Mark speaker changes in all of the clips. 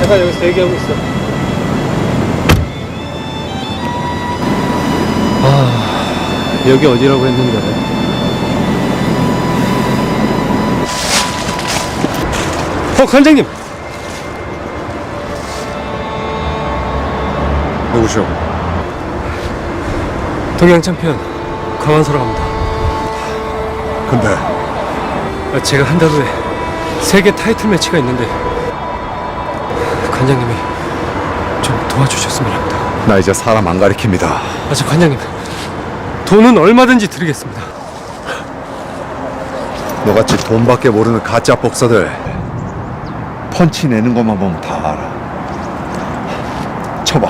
Speaker 1: 제가 여기서 대기하고 있어. 여기 어디라고 했는데? 관장님!
Speaker 2: 누구시오?
Speaker 1: 동양 챔피언 강한서라고 합니다.
Speaker 2: 근데
Speaker 1: 제가 한 달 후에 세계 타이틀 매치가 있는데 관장님이 좀 도와주셨으면 합니다.
Speaker 2: 나 이제 사람 안 가리킵니다.
Speaker 1: 저 관장님, 돈은 얼마든지 드리겠습니다.
Speaker 2: 너같이 돈밖에 모르는 가짜 복서들 펀치 내는 것만 보면 다 알아. 쳐봐.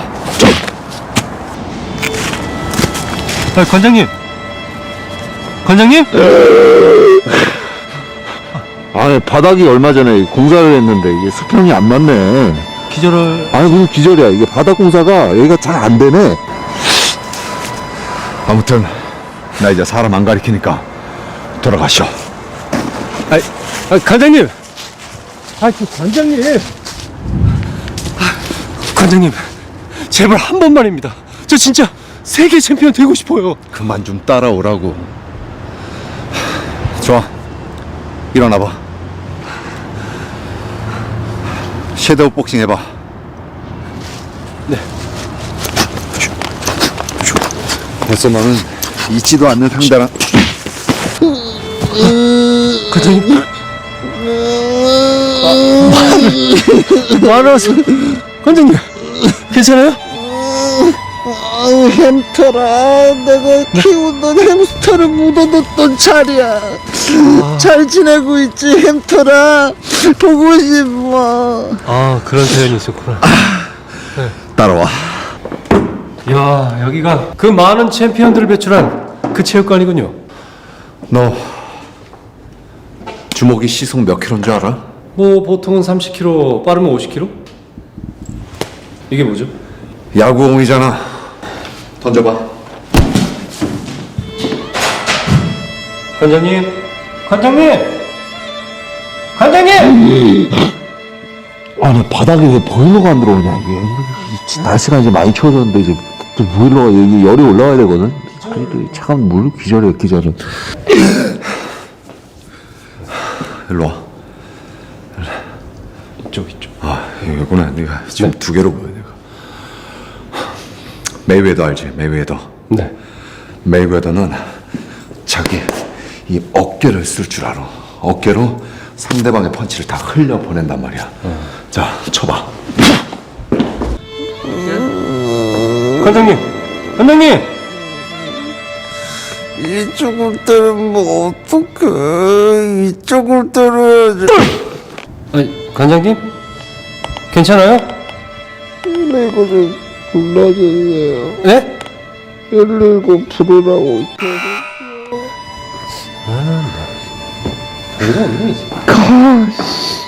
Speaker 1: 관장님! 관장님?
Speaker 3: 아니 바닥이 얼마 전에 공사를 했는데 이게 수평이 안 맞네.
Speaker 1: 기절을...
Speaker 3: 아니 무슨 기절이야. 이게 바닥 공사가 여기가 잘 안 되네.
Speaker 2: 아무튼 나 이제 사람 안 가리키니까 돌아가시오.
Speaker 1: 관장님! 관장님! 관장님, 제발 한 번만입니다. 저 진짜 세계 챔피언 되고 싶어요.
Speaker 2: 그만 좀 따라오라고. 좋아, 일어나봐. 섀도우 복싱 해봐.
Speaker 1: 네.
Speaker 2: 벌써 너는 잊지도 않는 상대랑.
Speaker 1: 관장님? 말하세요. 관장님, 괜찮아요?
Speaker 3: 햄스터라. 내가 키우던 햄스터를 묻어뒀던 자리야. 잘 지내고 있지 햄스터라. 보고 싶어.
Speaker 1: 그런 사연이 있었구나.
Speaker 2: 따라와.
Speaker 1: 이야, 여기가 그 많은 챔피언들을 배출한 그 체육관이군요.
Speaker 2: 너 주먹이 시속 몇 킬로인 줄 알아?
Speaker 1: 뭐 보통은 30km, 빠르면 50km? 이게 뭐죠?
Speaker 2: 야구공이잖아. 던져봐.
Speaker 1: 관장님! 관장님! 관장님!
Speaker 3: 아니 바닥에 왜 보일러가 안 들어오냐 이게. 날씨가 이제 많이 추워졌는데 이제 보일러가 여기 열이 올라와야 되거든. 차가운 물 기절이야 기절은.
Speaker 2: 일로 와.
Speaker 1: 이쪽.
Speaker 2: 여기구나. 네가 지금 두 개로 보여 내가. 메이웨더 알지? 메이웨더.
Speaker 1: 네.
Speaker 2: 메이웨더는 자기 이 어깨를 쓸 줄 알아. 어깨로 상대방의 펀치를 다 흘려 보낸단 말이야. 자, 쳐봐.
Speaker 1: 관장님! 관장님!
Speaker 3: 이쪽을 때리면 어떡해. 이쪽을 때려야지.
Speaker 1: 관장님? 괜찮아요?
Speaker 3: 이거 좀 불러주세요.
Speaker 1: 네?
Speaker 3: 119 부르라고.
Speaker 1: 이거 없네, 이제.
Speaker 3: 가.